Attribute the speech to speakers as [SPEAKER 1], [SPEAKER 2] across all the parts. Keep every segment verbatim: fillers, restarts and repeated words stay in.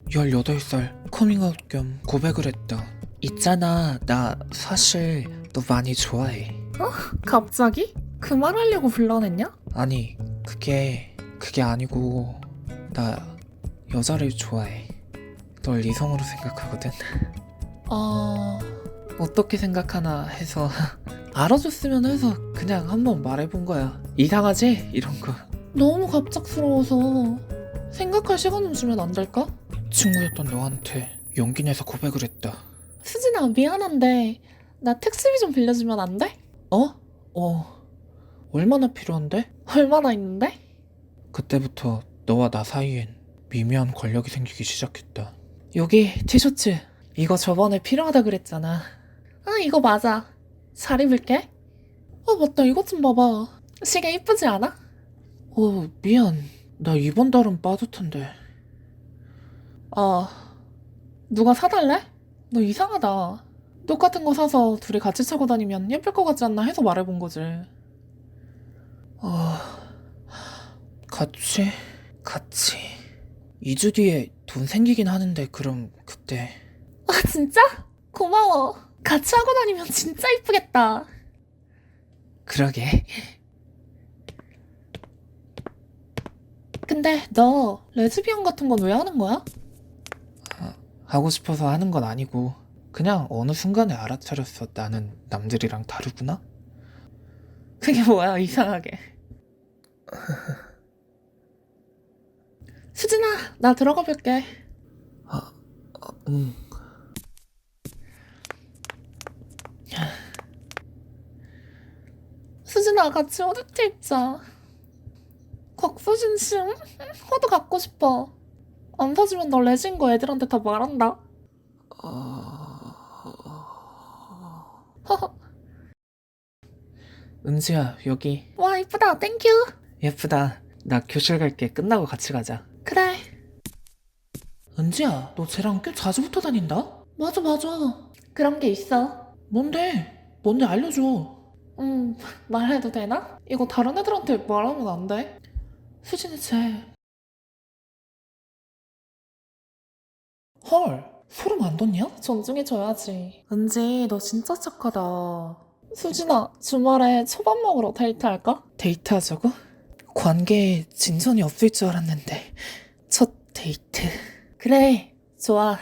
[SPEAKER 1] 열여덟 살 커밍아웃 겸 고백을 했다. 있잖아, 나 사실 너 많이 좋아해.
[SPEAKER 2] 갑자기? 그 말 하려고 불러냈냐?
[SPEAKER 1] 아니, 그게 그게 아니고 나 여자를 좋아해. 널 이성으로 생각하거든.
[SPEAKER 2] 아...
[SPEAKER 1] 어떻게 생각하나 해서 알아줬으면 해서 그냥 한번 말해본 거야. 이상하지? 이런 거.
[SPEAKER 2] 너무 갑작스러워서 생각할 시간 좀 주면 안 될까?
[SPEAKER 1] 친구였던 너한테 용기 내서 고백을 했다.
[SPEAKER 2] 수진아, 미안한데 나 택시비 좀 빌려주면 안 돼?
[SPEAKER 1] 어? 어. 얼마나 필요한데?
[SPEAKER 2] 얼마나 있는데?
[SPEAKER 1] 그때부터 너와 나 사이엔 미묘한 권력이 생기기 시작했다. 여기 티셔츠. 이거 저번에 필요하다 그랬잖아.
[SPEAKER 2] 아, 이거 맞아. 잘 입을게. 아, 맞다. 이것 좀 봐봐. 시계 이쁘지 않아?
[SPEAKER 1] 어, 미안. 나 이번 달은 빠듯한데.
[SPEAKER 2] 아, 누가 사달래? 너 이상하다. 똑같은 거 사서 둘이 같이 차고 다니면 예쁠 것 같지 않나 해서 말해본 거지.
[SPEAKER 1] 어... 같이? 같이. 이 주 뒤에 돈 생기긴 하는데 그럼 그때.
[SPEAKER 2] 아, 진짜? 고마워. 같이 하고 다니면 진짜 이쁘겠다.
[SPEAKER 1] 그러게.
[SPEAKER 2] 근데 너 레즈비언 같은 건 왜 하는 거야?
[SPEAKER 1] 하고 싶어서 하는 건 아니고 그냥 어느 순간에 알아차렸어. 나는 남들이랑 다르구나?
[SPEAKER 2] 그게 뭐야, 이상하게. 수진아, 나 들어가 볼게.
[SPEAKER 1] 아, 아, 응.
[SPEAKER 2] 수진아, 같이 후드티 입자. 곽수진 씨, 응? 후드 갖고 싶어. 안 사주면 너 레진 거 애들한테 다 말한다. 허허.
[SPEAKER 1] 은지야, 여기.
[SPEAKER 2] 와, 이쁘다. 땡큐.
[SPEAKER 1] 예쁘다. 나 교실 갈게. 끝나고 같이 가자.
[SPEAKER 2] 그래.
[SPEAKER 1] 은지야, 너 쟤랑 꽤 자주 붙어 다닌다?
[SPEAKER 2] 맞아, 맞아. 그런 게 있어.
[SPEAKER 1] 뭔데? 뭔데 알려줘.
[SPEAKER 2] 음, 말해도 되나? 이거 다른 애들한테 말하면 안 돼. 수진이 쟤.
[SPEAKER 1] 헐, 소름 안 돋냐?
[SPEAKER 2] 존중해줘야지. 은지, 너 진짜 착하다. 수진아, 주말에 초밥 먹으러 데이트할까?
[SPEAKER 1] 데이트하자고? 관계에 진전이 없을 줄 알았는데 첫 데이트.
[SPEAKER 2] 그래, 좋아.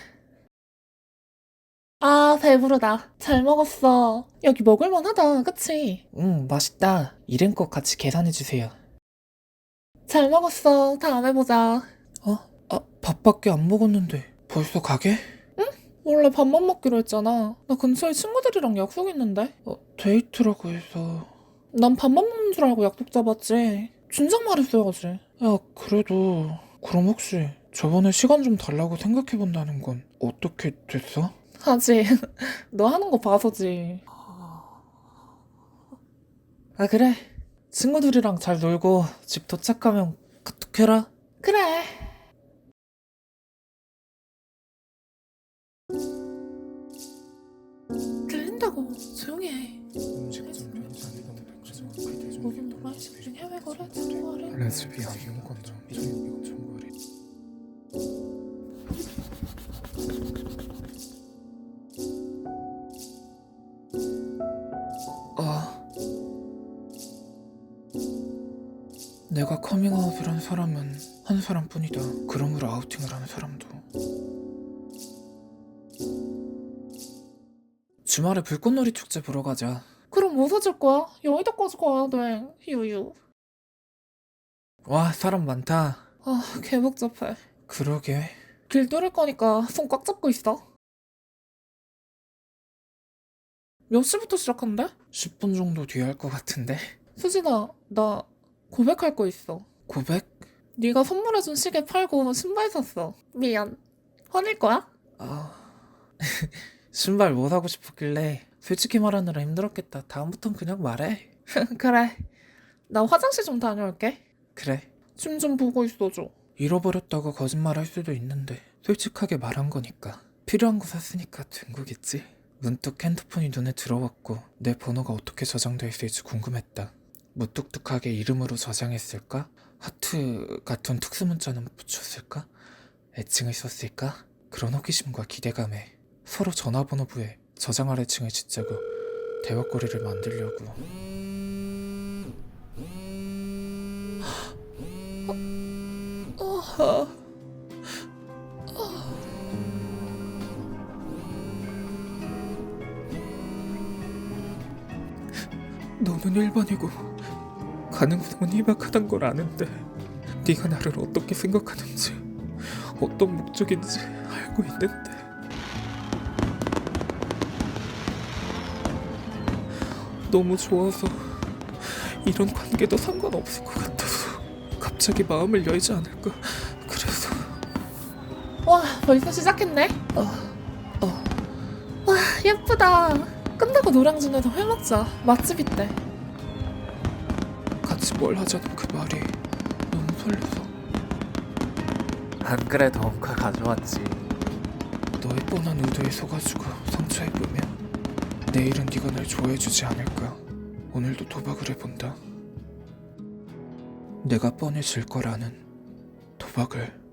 [SPEAKER 2] 아, 배부르다. 잘 먹었어. 여기 먹을만 하다, 그치?
[SPEAKER 1] 응, 맛있다. 이름껏 같이 계산해주세요.
[SPEAKER 2] 잘 먹었어. 다음에 보자.
[SPEAKER 1] 어? 아, 밥밖에 안 먹었는데 벌써 가게?
[SPEAKER 2] 원래 밥만 먹기로 했잖아. 나 근처에 친구들이랑 약속 있는데.
[SPEAKER 1] 어, 데이트라고 해서.
[SPEAKER 2] 난 밥만 먹는 줄 알고 약속 잡았지. 진작 말했어야지.
[SPEAKER 1] 야, 그래도 그럼 혹시 저번에 시간 좀 달라고 생각해본다는 건 어떻게 됐어?
[SPEAKER 2] 하지. 너 하는 거 봐서지.
[SPEAKER 1] 아, 그래. 친구들이랑 잘 놀고 집 도착하면 카톡해라.
[SPEAKER 2] 그래. 들린다고. 조용히 해.
[SPEAKER 1] 음식점 편의점 백화점 대중
[SPEAKER 2] 모든 노말 집중 해외 거래 중거래.
[SPEAKER 1] 레즈비언 이용권점 이용 청구리. 아, 내가 커밍아웃을 한 사람은 한 사람뿐이다. 그러므로 아우팅을 하는 사람도. 주말에 불꽃놀이 축제 보러 가자.
[SPEAKER 2] 그럼 뭐 사줄 거야? 여의도까지 가야 돼. 유유.
[SPEAKER 1] 와, 사람 많다.
[SPEAKER 2] 아, 개 복잡해.
[SPEAKER 1] 그러게.
[SPEAKER 2] 길 뚫을 거니까 손 꽉 잡고 있어. 몇 시부터 시작한대?
[SPEAKER 1] 십 분 정도 뒤에 할 것 같은데.
[SPEAKER 2] 수진아, 나 고백할 거 있어.
[SPEAKER 1] 고백?
[SPEAKER 2] 네가 선물해준 시계 팔고 신발 샀어. 미안. 화낼 거야?
[SPEAKER 1] 아, 신발 뭐 사고 싶었길래 솔직히 말하느라 힘들었겠다. 다음부턴 그냥 말해.
[SPEAKER 2] 그래. 나 화장실 좀 다녀올게.
[SPEAKER 1] 그래.
[SPEAKER 2] 춤 좀 보고 있어줘.
[SPEAKER 1] 잃어버렸다고 거짓말 할 수도 있는데 솔직하게 말한 거니까. 필요한 거 샀으니까 된 거겠지. 문득 핸드폰이 눈에 들어왔고 내 번호가 어떻게 저장돼 있을지 궁금했다. 무뚝뚝하게 이름으로 저장했을까? 하트 같은 특수 문자는 붙였을까? 애칭을 썼을까? 그런 호기심과 기대감에 서로 전화번호부에 저장할 애칭을 짓자고 대화거리를 만들려고. 너는 일반이고 가능성은 희박하단 걸 아는데 네가 나를 어떻게 생각하는지 어떤 목적인지 알고 있는데 너무 좋아서 이런 관계도 상관없을 것 같아서 갑자기 마음을 열지 않을까. 그래서
[SPEAKER 2] 와, 벌써 시작했네?
[SPEAKER 1] 어, 어.
[SPEAKER 2] 와, 예쁘다. 끝나고 노량진에서 회 먹자. 맛집 있대.
[SPEAKER 1] 같이 뭘 하자는 그 말이 너무 설레서.
[SPEAKER 3] 안 그래도 엉카 가져왔지.
[SPEAKER 1] 너의 뻔한 의도에 속아주고 상처 입으면 내일은 네가 날 좋아해주지 않을까. 오늘도 도박을 해본다. 내가 뻔해질 거라는 도박을.